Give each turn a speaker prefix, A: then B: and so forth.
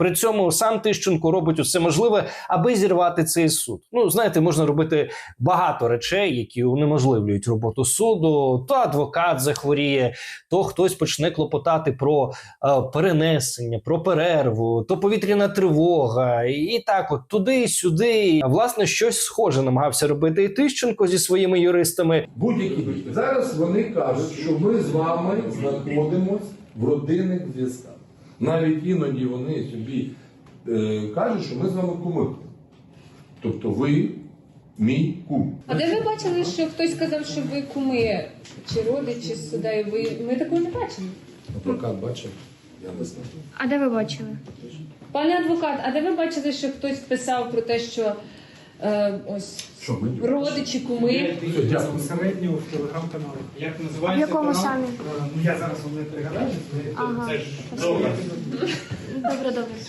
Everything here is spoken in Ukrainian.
A: При цьому сам Тищенко робить усе можливе, аби зірвати цей суд. Ну, знаєте, можна робити багато речей, які унеможливлюють роботу суду. То адвокат захворіє, то хтось почне клопотати про перенесення, про перерву, то повітряна тривога. І так от туди-сюди. Власне, щось схоже намагався робити і Тищенко зі своїми юристами.
B: Будь-які вихід. Зараз вони кажуть, що ми з вами знаходимося в родинних зв'язках. Навіть іноді вони собі кажуть, що ми з вами куми. Тобто ви мій кум.
C: А де ви бачили, що хтось сказав, що ви куми чи родичі з суда? Ми такого не бачили.
B: Адвокат бачив? Я не знаю.
D: А де ви бачили?
C: Пане адвокат, а де ви бачили, що хтось писав про те, що ось
B: Що ми?
C: родичі, куми?
E: Безпосередньо в телеграм-каналах. Як
D: В
E: називається
D: якому
E: канал?
D: самі?
E: Ну я зараз вам не пригадаю,
D: Ага.
E: це ж добре.
D: Добре, добре.